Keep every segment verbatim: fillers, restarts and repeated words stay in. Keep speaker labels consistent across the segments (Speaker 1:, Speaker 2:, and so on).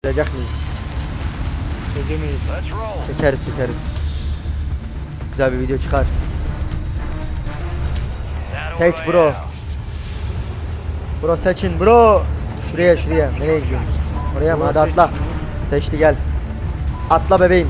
Speaker 1: Çekecek miyiz?
Speaker 2: Çekemeyiz.
Speaker 1: Çekeriz çekeriz. Güzel bir video çıkar. Seç bro. Bro seçin bro. Şuraya şuraya. Nereye gidiyoruz? Oraya mı? Hadi atla. Seçti gel. Atla bebeğim.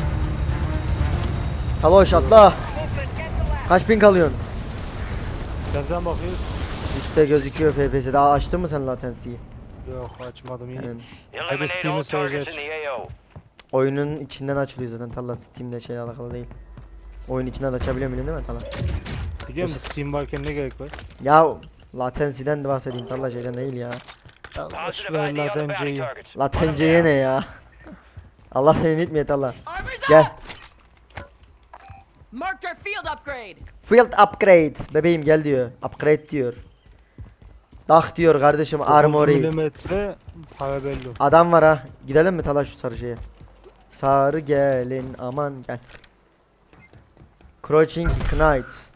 Speaker 1: Haloş atla. Kaç ping alıyorsun?
Speaker 2: Nereden bakıyoruz?
Speaker 1: Üstte gözüküyor F P S. Daha açtın mı sen latency'yi?
Speaker 2: Yok açmadım yine.
Speaker 1: Yani
Speaker 2: Hadi Steam'i sadece aç.
Speaker 1: oyunun içinden açılıyor zaten Talla, Steam'de şey alakalı değil. Oyun içinden de açabiliyor musun değil mi Talla?
Speaker 2: Biliyor musun Steam varken ne gerek var?
Speaker 1: Ya latency'den de bahsedeyim Talla, şeyden değil ya.
Speaker 2: Ya boş ver latenceyi.
Speaker 1: Latenceye ne ya? Allah seni bitmiyor Talla. Gel.
Speaker 3: Marked our field upgrade.
Speaker 1: Field upgrade. Bebeğim gel diyor. Upgrade diyor. Dah diyor kardeşim armory.
Speaker 2: Milimetre para belli.
Speaker 1: Adam var ha. Gidelim mi Tala şu sarı şeye? Sarı gelin aman gel. Crouching Knight.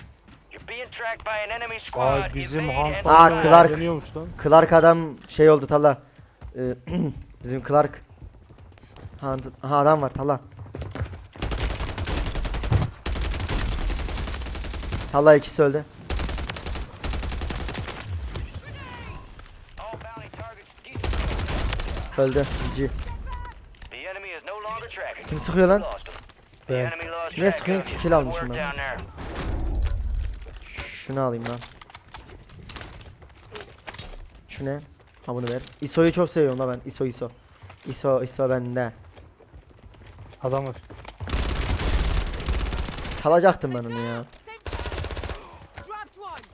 Speaker 2: Ay bizim
Speaker 1: Aa,
Speaker 2: Hunt'la
Speaker 1: Clark.
Speaker 2: deniyormuş lan.
Speaker 1: Clark adam şey oldu Tala. Ee, bizim Clark. Ha, ha adam var Tala. Tala ikisi öldü. Öldü. G. Kim sıkıyor lan?
Speaker 2: Ben.
Speaker 1: Niye sıkıyorsun ki? Kill almışım ben. Şunu alayım lan. Şu ne? Ha bunu ver. I S O'yu çok seviyorum da ben. I S O I S O. I S O I S O bende.
Speaker 2: Adam var.
Speaker 1: Çalacaktım ben onu ya.
Speaker 3: Dropped one.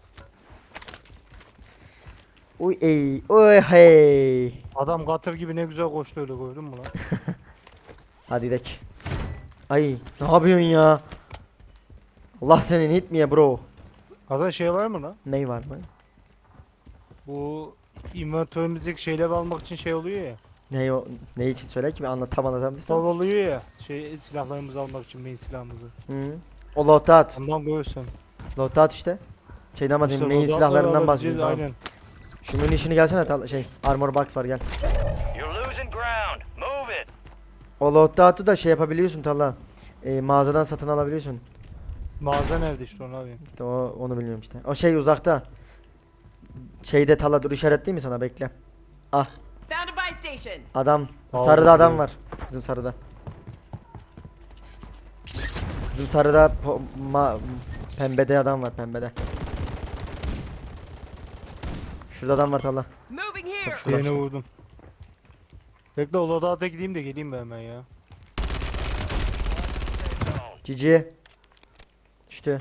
Speaker 1: Uy ey. Uy hey.
Speaker 2: Adam katır gibi ne güzel koştu öyle gördün mü lan?
Speaker 1: Hadi gidelim. Ay ne yapıyorsun ya? Allah seni itmeye bro.
Speaker 2: Ada şey var mı lan?
Speaker 1: Ney var mı?
Speaker 2: Bu inventörümüzdeki şeyleri almak için şey oluyor ya.
Speaker 1: Ney o? Ne için söyle ki ben anlatam
Speaker 2: Sol
Speaker 1: anlatamıyorsam.
Speaker 2: oluyor ya. Şey silahlarımızı almak için main silahımızı.
Speaker 1: Hı. O loadout.
Speaker 2: Ondan görürsen.
Speaker 1: Loadout işte. Şeyden ama
Speaker 2: İşte
Speaker 1: main
Speaker 2: loadout'ları
Speaker 1: silahlarından
Speaker 2: alabileceğiz,
Speaker 1: bahsediyorum. Tamam.
Speaker 2: Aynen.
Speaker 1: Şu munition'ı gelsene tal şey armor box var gel. O loadout'u da şey yapabiliyorsun Talla. E, mağazadan satın alabiliyorsun.
Speaker 2: Mağaza nerede işte onu abi?
Speaker 1: İşte o onu bilmiyorum işte. O şey uzakta. Şeyde Talla dur işaretleyeyim mi sana bekle. Ah
Speaker 3: Found a buy station.
Speaker 1: adam.
Speaker 2: Aldım
Speaker 1: Sarıda adam
Speaker 2: burayı.
Speaker 1: var. Bizim sarıda. Bizim sarıda po- ma- pembede adam var pembede. Şurada adam var Talla.
Speaker 3: Moving here.
Speaker 1: Şurada.
Speaker 2: Yeni vurdum. Bekle o loadout'a gideyim de geleyim ben hemen ya.
Speaker 1: Cici. İşte.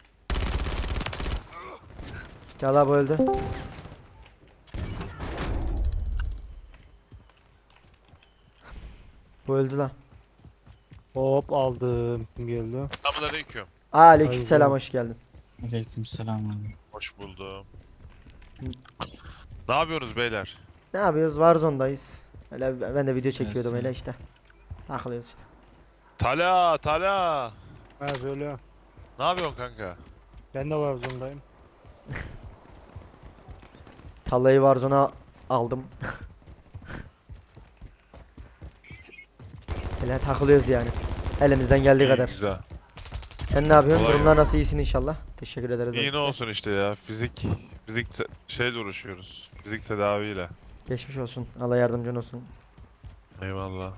Speaker 1: Talla bu öldü. Bu öldü lan.
Speaker 2: Hop aldım. Kim geldi?
Speaker 4: Selamünaleyküm.
Speaker 1: Aleykümselam
Speaker 2: Haydi.
Speaker 1: hoş geldin.
Speaker 5: Aleykümselam abi.
Speaker 4: Hoş buldum. Ne yapıyorsunuz beyler?
Speaker 1: Ne yapıyoruz? Warzone'dayız. Öyle ben de video çekiyordum
Speaker 5: Nasıl?
Speaker 1: öyle işte. Takılıyoruz işte.
Speaker 4: Tala, Tala.
Speaker 2: Ha böyle.
Speaker 4: Ne yapıyorsun kanka?
Speaker 2: Ben de var zorundayım.
Speaker 1: Tallayı Warzone'a aldım. Öyle takılıyoruz yani. Elimizden geldiği
Speaker 4: İyi,
Speaker 1: kadar.
Speaker 4: Güzel.
Speaker 1: Sen ne yapıyorsun?
Speaker 4: Kolay
Speaker 1: Durumlar
Speaker 4: gelsin.
Speaker 1: nasıl, iyisin inşallah? Teşekkür ederiz.
Speaker 4: İyi ne
Speaker 1: öncelikle.
Speaker 4: olsun işte ya. Fizik, fizik te- şeyle uğraşıyoruz. Fizik tedaviyle.
Speaker 1: Geçmiş olsun. Allah yardımcın olsun.
Speaker 4: Eyvallah.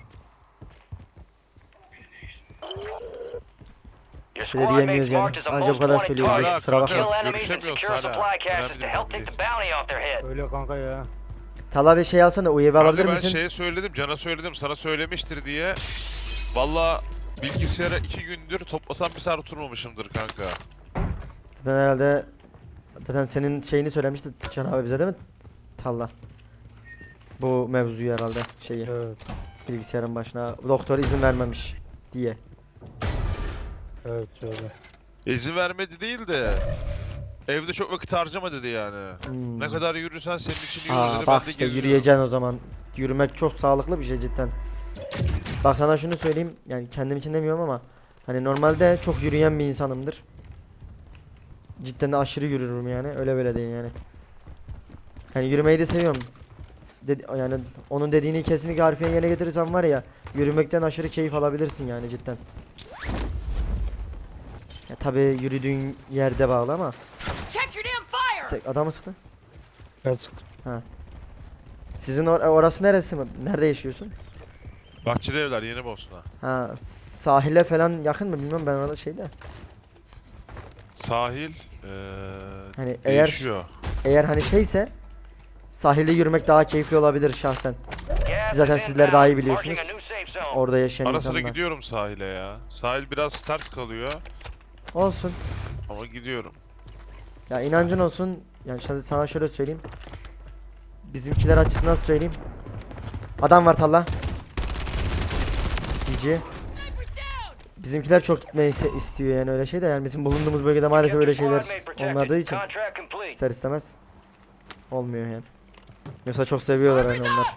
Speaker 1: Bir şey de diyemiyoruz yani. Anca bu kadar söylüyorum.
Speaker 4: Hala
Speaker 1: Kusura bakma.
Speaker 4: kanka görüşemiyoruz hala. Önemli bir bakımdayız.
Speaker 2: Öyle kanka ya.
Speaker 1: Talla bir şey alsana. U E V alabilir
Speaker 4: Kanka ben
Speaker 1: misin?
Speaker 4: şeye söyledim, Can'a söyledim, sana söylemiştir diye. Valla bilgisayara iki gündür toplasam bir saat oturmamışımdır kanka.
Speaker 1: Zaten herhalde zaten senin şeyini söylemişti Can abi bize değil mi? Talla. Bu mevzuyu herhalde şeyi.
Speaker 2: Evet.
Speaker 1: Bilgisayarın başına doktor izin vermemiş diye.
Speaker 2: Evet öyle.
Speaker 4: İzin vermedi değil de evde çok vakit harcama dedi yani.
Speaker 1: Hmm.
Speaker 4: Ne kadar yürürsen senin için yürü
Speaker 1: Aa,
Speaker 4: dedi.
Speaker 1: bak
Speaker 4: Ben de
Speaker 1: işte
Speaker 4: geziyorum.
Speaker 1: yürüyeceksin o zaman. Yürümek çok sağlıklı bir şey cidden. Bak sana şunu söyleyeyim, yani kendim için demiyorum ama hani normalde çok yürüyen bir insanımdır. Cidden de aşırı yürürüm yani, öyle böyle değil yani. Yani yürümeyi de seviyorum. dedi, yani onun dediğini kesinlikle harfiyen yerine getirirsen var ya, yürümekten aşırı keyif alabilirsin yani cidden. Ya tabi yürüdüğün yerde bağlı ama.
Speaker 3: Check your damn fire!
Speaker 1: Se- Adamı sıktı.
Speaker 2: Ben sıktım.
Speaker 1: Sizin or- orası neresi mi? Nerede yaşıyorsun?
Speaker 4: Bahçeli evler yeni Bosna.
Speaker 1: Ha, sahile falan yakın mı bilmiyorum, ben orada şeyde.
Speaker 4: Sahil eee
Speaker 1: Hani eğer
Speaker 4: değişiyor.
Speaker 1: eğer hani şeyse sahilde yürümek daha keyifli olabilir şahsen. Siz zaten sizler daha iyi biliyorsunuz. Orada yaşayan
Speaker 4: Ara sıra
Speaker 1: insanlar.
Speaker 4: gidiyorum sahile ya. Sahil biraz ters kalıyor
Speaker 1: Olsun.
Speaker 4: ama gidiyorum.
Speaker 1: Ya inancın olsun. Yani şimdi sana şöyle söyleyeyim. Bizimkiler açısından söyleyeyim. Adam var Talla. G G. Bizimkiler çok gitmeyi ise- istiyor yani öyle şey de, yani bizim bulunduğumuz bölgede maalesef öyle şeyler olmadığı için ister istemez olmuyor yani. Yoksa çok seviyorlar yani onlar.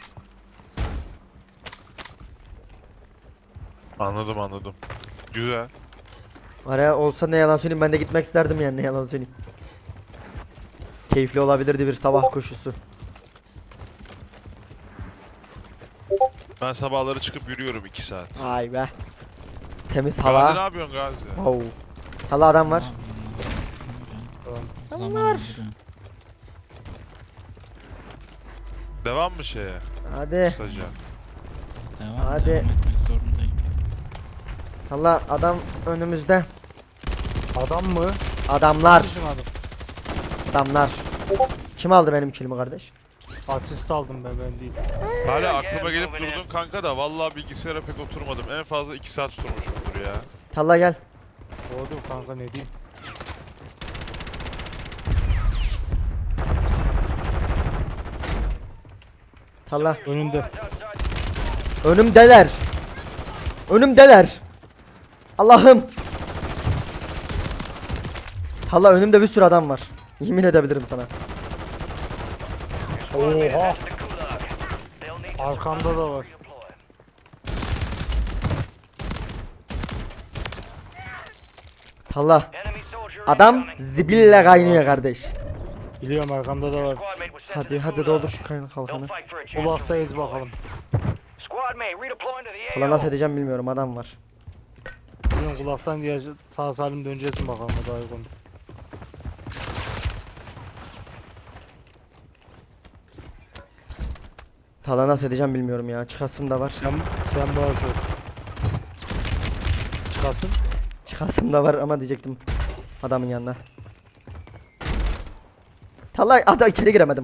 Speaker 4: Anladım anladım. Güzel.
Speaker 1: Araya olsa ne yalan söyleyeyim, ben de gitmek isterdim yani, ne yalan söyleyeyim. Keyifli olabilirdi bir sabah koşusu.
Speaker 4: Ben sabahları çıkıp yürüyorum iki saat.
Speaker 1: Ay be. Temiz
Speaker 4: Gazi ne
Speaker 1: hava.
Speaker 4: yapıyorsun Gazi?
Speaker 1: Wow. Talla adam var.
Speaker 5: Zaman
Speaker 1: var.
Speaker 5: öldürüyor.
Speaker 4: Devam mı şeye?
Speaker 1: Hadi.
Speaker 4: Kısaca.
Speaker 5: Devam,
Speaker 1: Hadi.
Speaker 5: devam etmek zorundayım.
Speaker 1: Talla adam önümüzde.
Speaker 2: Adam mı?
Speaker 1: Adamlar.
Speaker 2: Bizim adam.
Speaker 1: Adamlar. Kim aldı benim kilimi kardeş?
Speaker 2: Asist aldım ben, ben değil.
Speaker 4: Hala aklıma gelip durdun kanka da vallahi bilgisayara pek oturmadım. En fazla iki saat oturmuşumdur ya.
Speaker 1: Talla gel.
Speaker 2: Doğru kanka, ne diyeyim.
Speaker 1: Talla.
Speaker 2: Önünde.
Speaker 1: Önümdeler. Önümdeler. Allah'ım. Talla önümde bir sürü adam var. Yemin edebilirim sana.
Speaker 2: Oha. Arkamda da var.
Speaker 1: Talla. Adam zibille kaynıyor kardeş.
Speaker 2: Biliyorum, arkamda da var.
Speaker 1: Hadi hadi doldur şu kaynak kalkanı.
Speaker 2: Ulaktayız bakalım.
Speaker 1: Talla nasıl edeceğim bilmiyorum, adam var.
Speaker 2: Biliyorum, kulaktan diye sağ salim döneceğiz mi bakalım, daha uygun.
Speaker 1: Talla nasıl edeceğim bilmiyorum ya. Çıkasım da var.
Speaker 2: Sen, sen bana sor. Çıkasın.
Speaker 1: Çıkasım da var ama diyecektim adamın yanına. Talla ada içeri giremedim.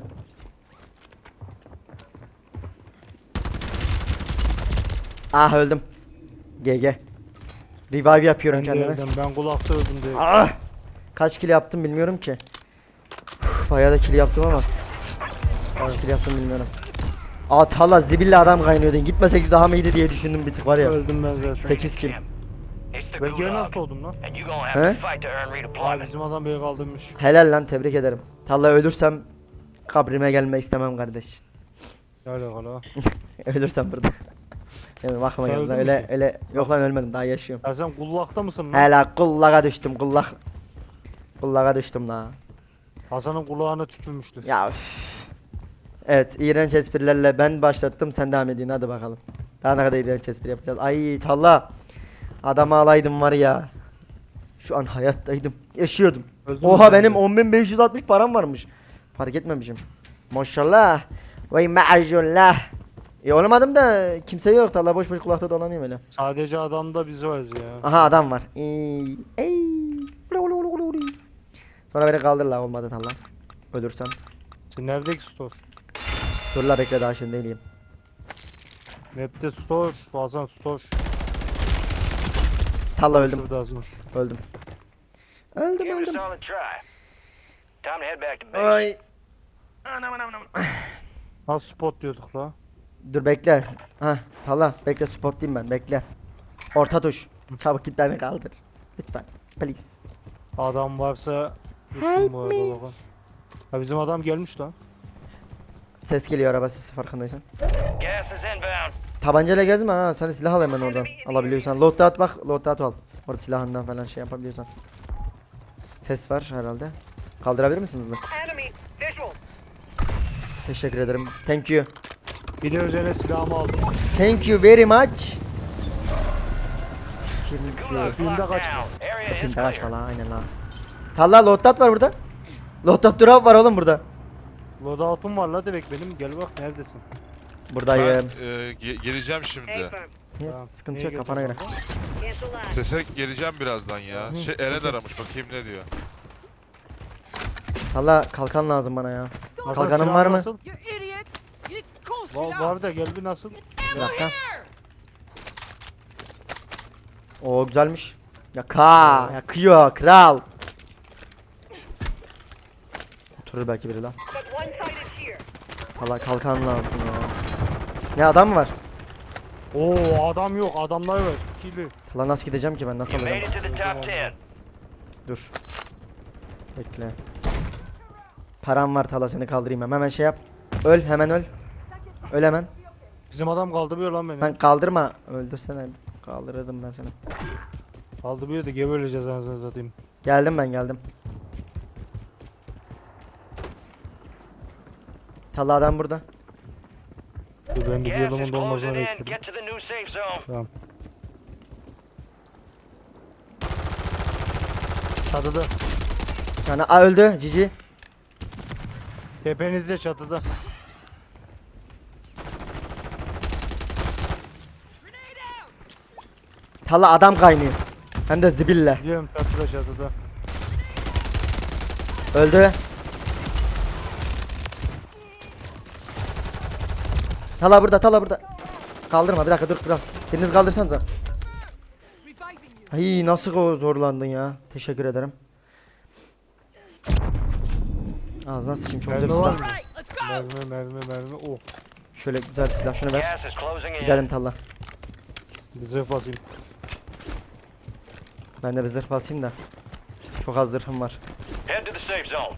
Speaker 1: Ah öldüm. G G. Revive yapıyorum
Speaker 2: Ben de
Speaker 1: kendime.
Speaker 2: öldüm, ben kulakta öldüm diye.
Speaker 1: Ah! Kaç kill yaptım bilmiyorum ki. Uf, bayağı da kill yaptım ama. Kaç kill yaptım bilmiyorum. Aa Talla zibille adam kaynıyordu. Gitmesek daha mı iyiydi diye düşündüm bir tık var ya.
Speaker 2: Öldüm ben zaten.
Speaker 1: sekiz kill.
Speaker 2: Ben geri nasıl doğdum lan?
Speaker 1: He?
Speaker 2: Aa, bizim adam beni kaldırmış.
Speaker 1: Helal lan, tebrik ederim. Talla ölürsem kabrime gelme istemem kardeş.
Speaker 2: Ne alakalı ha?
Speaker 1: Ölürsem burada. Evet bakma
Speaker 2: Sen
Speaker 1: geldi
Speaker 2: öldün
Speaker 1: öyle
Speaker 2: mü
Speaker 1: öyle yok lan, ölmedim, daha yaşıyorum.
Speaker 2: Ya sen kullakta mısın lan?
Speaker 1: Helal kullağa düştüm kullak. Kullağa düştüm la.
Speaker 2: Hasan'ın kulağına tükürmüştü.
Speaker 1: Ya üf. Evet, iğrenç esprilerle ben başlattım, sen devam edin hadi bakalım. Daha ne kadar iğrenç espri yapacağız. Ay Talla. Adamı alaydım var ya. Şu an hayattaydım. Yaşıyordum.
Speaker 2: Öldün mü
Speaker 1: Oha
Speaker 2: sen
Speaker 1: benim
Speaker 2: de?
Speaker 1: on bin beş yüz altmış param varmış. Fark etmemişim. Maşallah. Vay maşallah. E olamadım da kimse yok. Talla boş boş kulakta dolanıyor öyle.
Speaker 2: Sadece adamda biz varız ya.
Speaker 1: Aha adam var. Ey, ey. Sonra beni kaldır la, olmadı Talla. Ölürsem.
Speaker 2: Sen neredeki store?
Speaker 1: Dur la bekle, daha şimdi değilim.
Speaker 2: Map'te store, Hasan store.
Speaker 1: Talla öldüm.
Speaker 2: Şurada Hasan.
Speaker 1: Öldüm. Öldüm
Speaker 6: Give it a
Speaker 1: öldüm.
Speaker 6: solid try. Time to head back to base.
Speaker 1: Ay. Anam anam anam.
Speaker 2: Nasıl spot diyorduk la?
Speaker 1: Dur bekle. Ha Talla bekle, spotlayayım ben, bekle. Orta tuş. Çabuk git beni kaldır. Lütfen. Please.
Speaker 2: Adam varsa
Speaker 1: Help
Speaker 2: lütfen bu arada
Speaker 1: me.
Speaker 2: bakalım. Ha bizim adam gelmiş lan.
Speaker 1: Ses geliyor araba sesi, farkındaysan.
Speaker 6: Gas is inbound.
Speaker 1: Tabancayla gezme ha. Sen silah al hemen oradan. Alabiliyorsan. Loadout bak. Loadout al. Orada silahından falan şey yapabiliyorsan. Ses var herhalde. Kaldırabilir misiniz lan?
Speaker 6: Enemy visual.
Speaker 1: Teşekkür ederim. Thank you.
Speaker 2: Bir de üzerine silahımı aldım.
Speaker 1: Thank you very much. Thank you.
Speaker 2: Filmde
Speaker 6: Locked
Speaker 2: kaçma.
Speaker 6: down. Area is
Speaker 1: Şimdi
Speaker 6: clear.
Speaker 1: kaçma lan aynen lan. Talla loadout var burada. Loadout drop var oğlum burada.
Speaker 2: Loadout'um var la demek benim. Gel bak neredesin?
Speaker 4: Ben
Speaker 1: Buradayım.
Speaker 4: e, ge- geleceğim şimdi.
Speaker 1: Yes,
Speaker 2: Tamam.
Speaker 1: sıkıntı
Speaker 2: Neye
Speaker 1: yok kafana göre.
Speaker 2: geleceğim
Speaker 4: Sese geleceğim birazdan ya.
Speaker 1: Hı,
Speaker 4: Şey Eren aramış bakayım ne diyor.
Speaker 1: Talla kalkan lazım bana ya.
Speaker 2: baba? Nasıl,
Speaker 1: Kalkanın
Speaker 2: silahın
Speaker 1: var mı?
Speaker 2: nasıl?
Speaker 3: You idiot! You go
Speaker 2: Var, var da gel bir nasıl?
Speaker 1: Bir dakika. Oo güzelmiş. Ya ka, ya kıyor kral. Oturur belki biri lan. Talla kalkan lazım ya. Ne adam mı var?
Speaker 2: Oo adam yok adamlar var. İkili.
Speaker 1: Talla nasıl gideceğim ki ben nasıl
Speaker 6: You made
Speaker 1: alacağım?
Speaker 6: it to the top ten.
Speaker 1: Dur. Bekle. Param var Tala seni kaldırayım hemen. Hemen şey yap. Öl hemen öl. Öl hemen.
Speaker 2: Bizim adam kaldırmıyor lan beni.
Speaker 1: Lan kaldırma. Öldürsene. Kaldırırdım ben seni.
Speaker 2: Kaldırmıyor da gebereceğiz anasını satayım.
Speaker 1: Geldim ben geldim. Tala adam burada.
Speaker 2: Dur ben bir
Speaker 6: Gas
Speaker 2: adamın
Speaker 6: is
Speaker 2: dolmasını
Speaker 6: closing in.
Speaker 2: bekledim.
Speaker 6: Get to the new safe zone.
Speaker 2: Tamam. Çatıda.
Speaker 1: Yani a öldü cici.
Speaker 2: Tepenizde çatıda.
Speaker 1: Tala adam kaynıyor. Hem de zibille.
Speaker 2: Biliyorum çatıda çatıda.
Speaker 1: Öldü. Tala burada Tala burada. Kaldırma bir dakika dur kral. Biriniz kaldırsanıza. Ay nasıl o zorlandın ya. Teşekkür ederim. Ağzına sıçayım çok güzel bir
Speaker 2: Mermi var
Speaker 1: silah.
Speaker 2: mı?
Speaker 3: Right, let's go!
Speaker 2: Mermi mermi mermi. Oh.
Speaker 1: Şöyle güzel bir silah şunu ver.
Speaker 6: Gas is closing in.
Speaker 1: Gidelim Talla.
Speaker 2: Bir zırh basayım.
Speaker 1: Ben de bir zırh basayım da. Çok az zırhım var.
Speaker 6: Head to the safe zone.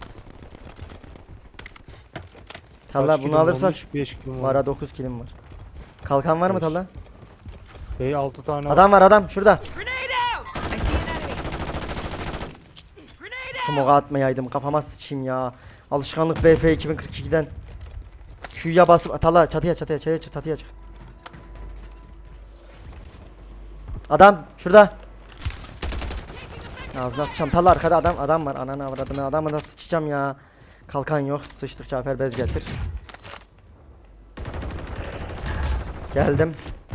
Speaker 1: Talla
Speaker 2: Kaç
Speaker 1: bunu
Speaker 2: kilim
Speaker 1: alırsak
Speaker 2: olmuş? beş kilim
Speaker 1: var
Speaker 2: var.
Speaker 1: ha dokuz kilim var. Kalkan var mı
Speaker 2: Beş.
Speaker 1: Talla?
Speaker 2: Bey altı tane var.
Speaker 1: Adam var adam şurada.
Speaker 3: Grenade out! I see an enemy. Grenade out!
Speaker 1: Smoke'a atmayaydım kafama sıçayım ya. Alışkanlık B F iki bin kırk iki'den. Q'ya basıp Talla çatıya çatıya çatıya çık çatıya çık. Adam şurada. Ağzına sıçacağım. Talla arkada adam adam var. Ananı avradını adamı nasıl sıçacağım ya. Kalkan yok. Sıçtık Cafer bez getir. Geldim.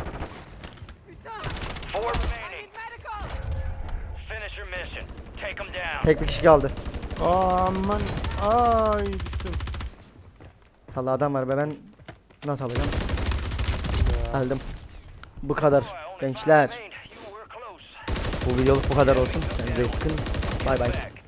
Speaker 6: Four
Speaker 3: I
Speaker 6: remaining.
Speaker 3: need medical!
Speaker 6: Finish your mission. Take them down.
Speaker 1: Tek bir kişi kaldı.
Speaker 2: Aman. Ay düştüm.
Speaker 1: Talla adam var be ben nasıl alacağım?
Speaker 2: Ya.
Speaker 1: Geldim. Bu kadar
Speaker 6: Boy, only five
Speaker 1: gençler.
Speaker 6: remained. You were close.
Speaker 1: Bu videoluk bu kadar olsun. Kendinize iyi bakın. Bay bay.
Speaker 6: Back.